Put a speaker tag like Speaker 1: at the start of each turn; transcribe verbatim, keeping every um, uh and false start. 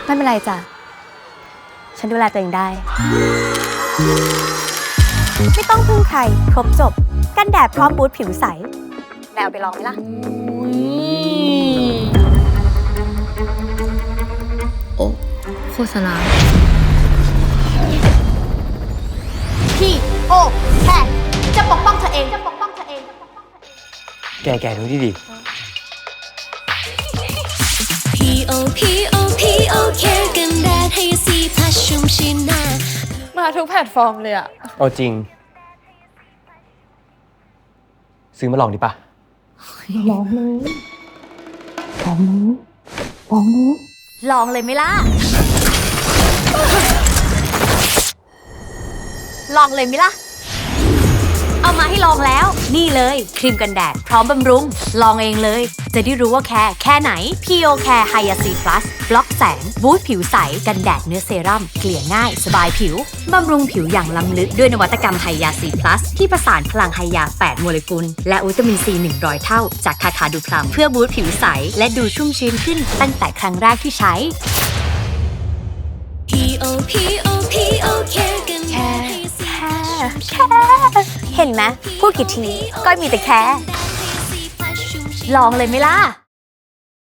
Speaker 1: ไม่เป็นไรจ้ะฉันดูแลตัวเองได้ไม่ต้องพึ่งใครครบจบกันแดดพร้อมบูทผิวใสแนวไปลองไหมล่ะ
Speaker 2: โอ้โฆษณา
Speaker 1: พี่โอ้แค่จะปกป้องเธอเองจะปกป้องเธอเอง
Speaker 3: แกแกดูดิดิ
Speaker 4: พีโอพีโอพีโอเคกันแดดให้สีพัชชุ่มชื้นหน้า
Speaker 2: มาทุกแพลตฟอร์มเลยอะ
Speaker 3: เอาจริง ซื้อมาลองดิปะ
Speaker 1: ลองเลยลองเลยลองเลยลองเลยไหมล่ะลองเลยไหมล่ะเอามาให้ลองแล้วนี่เลยครีมกันแดดพร้อมบำรุงลองเองเลยจะได้รู้ว่าแค่แค่ไหน พี โอ Care Hyaci Plus บล็อกแสงบูสต์ผิวใสกันแดดเนื้อเซรั่มเกลี่ยง่ายสบายผิวบำรุงผิวอย่างล้ำลึกด้วยนวัตกรรม Hyaci Plus ที่ประสานพลังไฮยาแปดโมเลกุลและวิตามินซีหนึ่งร้อยเท่าจากคาคาดูพลัมเพื่อบูสต์ผิวใสและดูชุ่มชื้นขึ้นตั้งแต่ครั้งแรกที่ใช้
Speaker 4: พีโอพีโอพีโอเคกันแดดให้สีพัชชุ่มชื้น
Speaker 1: แค่เห็นไหมพูดกี่ทีก็มีแต่แค่ลองเลยไหมล่ะ